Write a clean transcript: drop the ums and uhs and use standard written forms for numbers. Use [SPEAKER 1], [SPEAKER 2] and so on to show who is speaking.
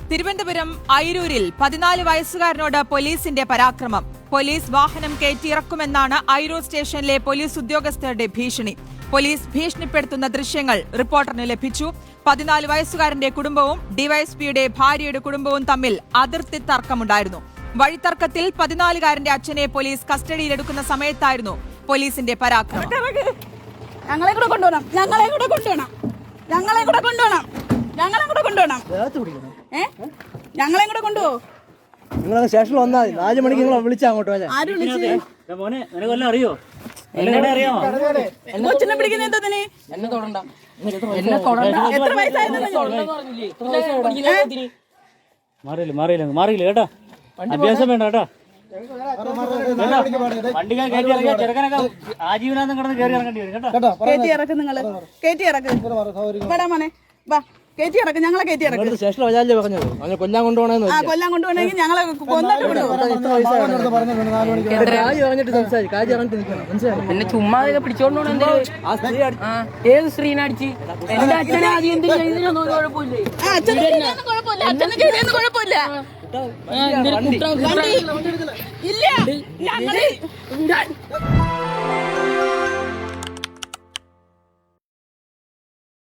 [SPEAKER 1] തിരുവനന്തപുരം അയിരൂരിൽ 14 വയസ്സുകാരനോട് പോലീസിന്റെ പരാക്രമം. പോലീസ് വാഹനം കയറ്റിയിറക്കുമെന്നാണ് അയിരൂർ സ്റ്റേഷനിലെ പോലീസ് ഉദ്യോഗസ്ഥരുടെ ഭീഷണി. പോലീസ് ഭീഷണിപ്പെടുത്തുന്ന ദൃശ്യങ്ങൾ റിപ്പോർട്ടറിന് ലഭിച്ചു. 14 വയസ്സുകാരന്റെ കുടുംബവും ഡിവൈഎസ്പിയുടെ ഭാര്യയുടെ കുടുംബവും തമ്മിൽ അതിർത്തി തർക്കമുണ്ടായിരുന്നു. വഴിത്തർക്കത്തിൽ 14-കാരന്റെ അച്ഛനെ പോലീസ് കസ്റ്റഡിയിലെടുക്കുന്ന സമയത്തായിരുന്നു പോലീസിന്റെ പരാക്രമം.
[SPEAKER 2] ഞങ്ങളെ കൂടെ കൊണ്ടുപോകണം. ഞങ്ങളെ കൂടെ കൊണ്ടുപോകണം. ഞങ്ങളെ കൂടെ കൊണ്ടുപോകണം. ഞങ്ങളെ കൂടെ കൊണ്ടുപോകും.
[SPEAKER 3] നിങ്ങൾ സ്റ്റേഷനിൽ വന്നാൽ 4 മണിക്ക് നിങ്ങൾ വിളിച്ചാ അങ്ങോട്ട്
[SPEAKER 2] ആര് വിളിച്ച്?
[SPEAKER 3] അറിയോ?
[SPEAKER 2] കൊച്ചിനെ പിടിക്കുന്ന എന്തതിന്? എത്ര വയസ്സായിരുന്നു?
[SPEAKER 3] മാറിയില്ല കേട്ടോ. അഭ്യാസം വേണ്ട കേട്ടോ. വണ്ടികൾ കയറ്റി ഇറങ്ങിയ ചെറുക്കനൊക്കെ ആജീവനാന്തം കിടന്ന് കയറി ഇറങ്ങേണ്ടി വരും കേട്ടോ.
[SPEAKER 2] കയറ്റി ഇറക്ക്. നിങ്ങള് കയറ്റി ഇറക്ക്. വേടാ മോനെ വാ, കയറ്റി ഇറക്ക്. ഞങ്ങളെ കയറ്റി ഇറക്ക്.
[SPEAKER 3] സ്റ്റേഷനിൽ വരാല്ലേ പറഞ്ഞത്? അങ്ങനെ കൊല്ലാൻ കൊണ്ടുപോകണമെന്ന്.
[SPEAKER 2] കൊല്ലാൻ കൊണ്ടുപോകണമെങ്കിൽ ഞങ്ങളെ കൊന്നിട്ട്
[SPEAKER 4] പിന്നെ ചുമ്മാ പിടിച്ചോണ്ട് ഏത് സ്ത്രീനെ അടിച്ച് എന്റെ അച്ഛനെ ആദ്യം എന്തെങ്കിലും ചെയ്തതിനൊന്നും ഒരു കുഴപ്പമില്ലേ?
[SPEAKER 2] അച്ഛനെ ചെയ്തതിന് കുഴപ്പമില്ല. ഇല്ല ഞങ്ങള്